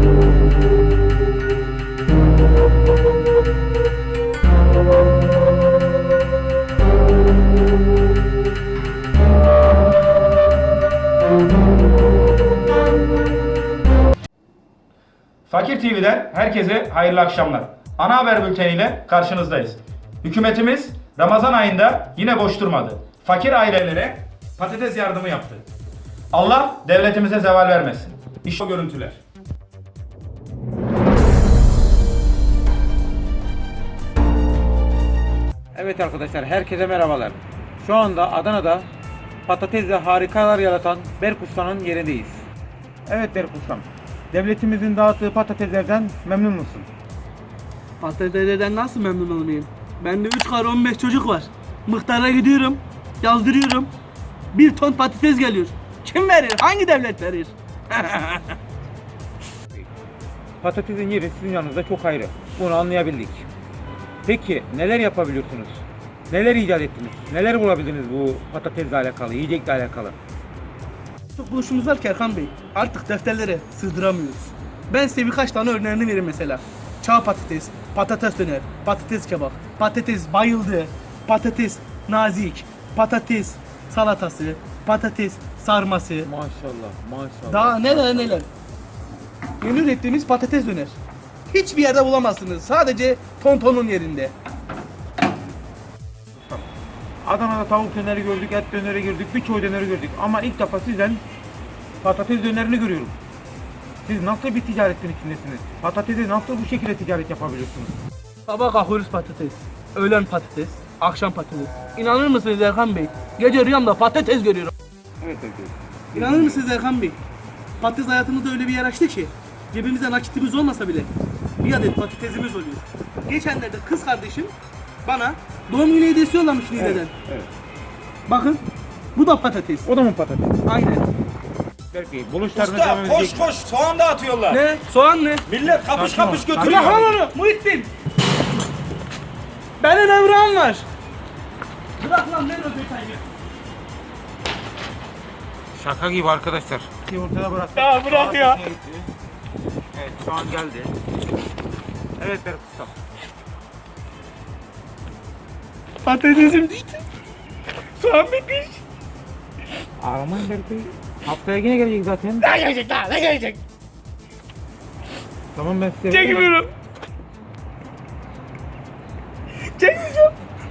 Fakir TV'den herkese hayırlı akşamlar. Ana haber bülteniyle karşınızdayız. Hükümetimiz Ramazan ayında yine boş durmadı. Fakir ailelere patates yardımı yaptı. Allah devletimize zeval vermesin. İşte o görüntüler. Evet arkadaşlar, herkese merhabalar. Şu anda Adana'da patatesle harikalar yaratan Berk Usta'nın yerindeyiz. Evet Berk Ustam, devletimizin dağıttığı patateslerden memnun musun? Patateslerden nasıl memnun olmayayım? Bende 3 karı 15 çocuk var. Muhtara gidiyorum, yazdırıyorum. 1 ton patates geliyor. Kim verir? Hangi devlet verir? Patatesin yeri sizin yanınızda çok ayrı. Bunu anlayabildik. Peki neler yapabiliyorsunuz? Neler icat ettiniz? Neler bulabildiniz bu patatesle alakalı, yiyecekle alakalı? Çok buluşumuz var ki Erkan Bey. Artık defterlere sığdıramıyoruz. Ben size birkaç tane örneğini vereyim mesela. Çağ patates, patates döner, patates kebap, patates bayıldı, patates nazik, patates salatası, patates sarması. Maşallah, maşallah. Daha neler neler. Yeni ürettiğimiz patates döner. Hiçbir yerde bulamazsınız. Sadece Tonton'un yerinde. Adana'da tavuk döneri gördük, et döneri gördük, birçok döneri gördük. Ama ilk defa sizden patates dönerini görüyorum. Siz nasıl bir ticaretin içindesiniz? Patatesi nasıl bu şekilde ticaret yapabiliyorsunuz? Sabah kalkıyoruz patates, öğlen patates, akşam patates. İnanır mısınız Erkan Bey? Gece rüyamda patates görüyorum. Evet, evet. İnanır mısınız Erkan Bey? Patates hayatımızda öyle bir yer açtı ki cebimizde nakitimiz olmasa bile bir adet patatesimiz oluyor. Geçenlerde kız kardeşim bana doğum günü hediyesi yollamış Niğde'den. Evet. Bakın bu da patates. O da mı patates? Aynen. Berk Bey, buluşlarınız Usta devam koş edecek. koş soğan dağıtıyorlar. Ne? Soğan ne? Millet kapış Sakin ol. kapış Bırak götürüyor. lan onu Muhittin. Benim evram var. Bırak lan ne özetayı. Şaka gibi arkadaşlar. Ortada bırak. Ya bırak ya. Evet, şu an geldi. Evet Berk Usta. Patatesim düştü. Soğan bitmiş. Ağlamayın Berk Bey. Haftaya yine gelecek zaten. Ne gelecek lan ne gelecek? Tamam, ben size... Çekmiyorum. Çekmeyeceğim.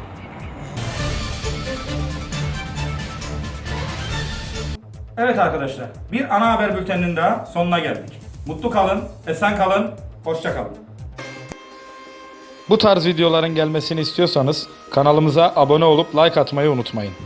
Evet arkadaşlar, bir ana haber bülteninin daha sonuna geldik. Mutlu kalın, esen kalın, hoşça kalın. Bu tarz videoların gelmesini istiyorsanız kanalımıza abone olup like atmayı unutmayın.